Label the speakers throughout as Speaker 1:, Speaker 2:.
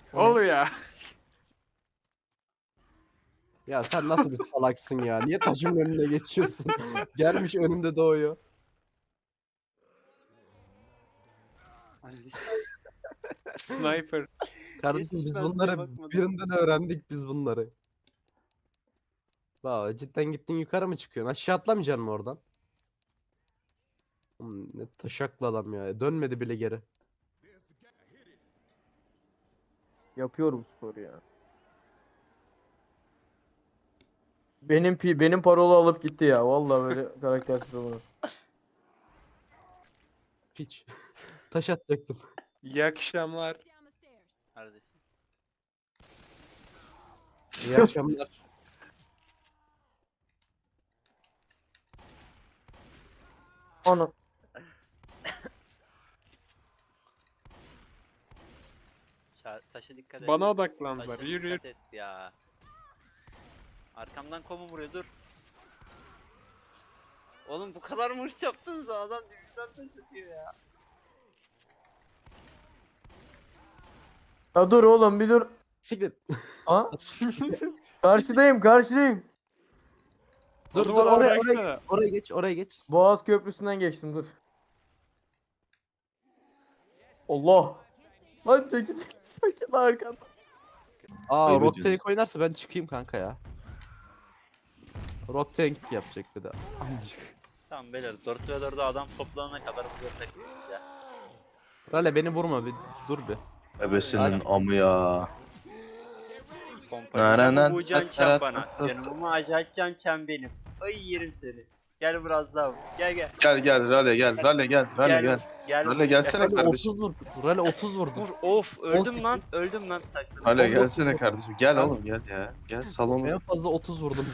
Speaker 1: O ne?
Speaker 2: Oluyor ya.
Speaker 3: Ya sen nasıl bir salaksın ya? Niye taşımın önüne geçiyorsun? Gelmiş önümde doğuyor.
Speaker 2: Sniper.
Speaker 3: Kardeşim biz
Speaker 1: Yetişmez diye
Speaker 3: bunları
Speaker 1: bakmadım.
Speaker 3: birinden öğrendik biz bunları. Vay cidden gittin yukarı mı çıkıyorsun? Aşağı atlamayacaksın mı oradan? Ne taşaklı adam ya. Dönmedi bile geri.
Speaker 4: Yapıyorum sporu ya. Benim parolu alıp gitti ya. Vallahi böyle karaktersiz olur.
Speaker 3: Piç. Taş atacaktım.
Speaker 2: İyi akşamlar.
Speaker 1: Neredesin?
Speaker 3: İyi akşamlar.
Speaker 4: Onu.
Speaker 1: Taşa dikkat et.
Speaker 2: Bana odaklandılar.
Speaker 1: Taşa
Speaker 2: Yürü yürü.
Speaker 1: dikkat et ya. Arkamdan komu vuruyor, dur. Oğlum bu kadar mı hırs yaptınız, adam dibimden taş atıyor ya.
Speaker 4: Ya dur oğlum bir dur.
Speaker 3: Siktir.
Speaker 4: Ha? Karşıdayım.
Speaker 3: Dur
Speaker 2: Oğlum
Speaker 3: dur
Speaker 2: adamı
Speaker 3: oraya
Speaker 2: bıraksana.
Speaker 3: oraya geç.
Speaker 4: Boğaz Köprüsü'nden geçtim dur. Allah. Lan çekil arkamda.
Speaker 3: Aa
Speaker 5: Ayıp
Speaker 3: Rock
Speaker 5: ediyorsun.
Speaker 3: Tank oynarsa ben çıkayım kanka ya. Rock Tank yapacak bir de. Amcık.
Speaker 1: Tamam beyler, 4 ve 4'e adam toplanana kadar burada takılıyoruz ya.
Speaker 3: Rale beni vurma bir dur bir.
Speaker 5: Ebesinin amı ya.
Speaker 1: Pompacı bu can çem bana. Canımı acayip can çem benim. Ay yerim seni. Gel biraz daha vur. Gel.
Speaker 5: Gel Rale gel. Rale gel. Rale gel. Rale gelsene
Speaker 3: Rale
Speaker 5: kardeşim.
Speaker 3: 30 vurdu. Rale 30 vurdu.
Speaker 1: Vur, of öldüm
Speaker 3: 18.
Speaker 1: lan saklan.
Speaker 5: Rale
Speaker 3: 19
Speaker 5: gelsene
Speaker 3: vurdu.
Speaker 5: kardeşim. Gel
Speaker 3: Tamam.
Speaker 5: oğlum gel ya. Gel salonu.
Speaker 3: En fazla 30 vurdum.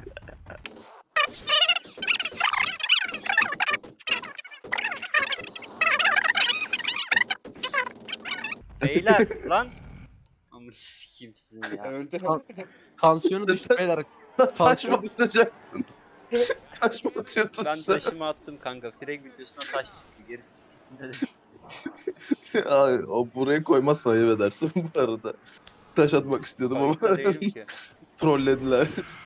Speaker 1: Beyler lan. Amına sikeyim sizin ya.
Speaker 2: Öldü.
Speaker 3: Tansiyonu düştü beyler.
Speaker 5: Taş mı atacaksın? Taş mı atıyordun
Speaker 1: Ben
Speaker 5: sen?
Speaker 1: taşımı attım kanka. Frag videosuna taş çıktı. Gerisi sikimde de.
Speaker 5: Ay, o buraya koymazsa ayıp edersin bu arada. Taş atmak istiyordum ama
Speaker 1: Farkında değilim ki.
Speaker 5: trollediler.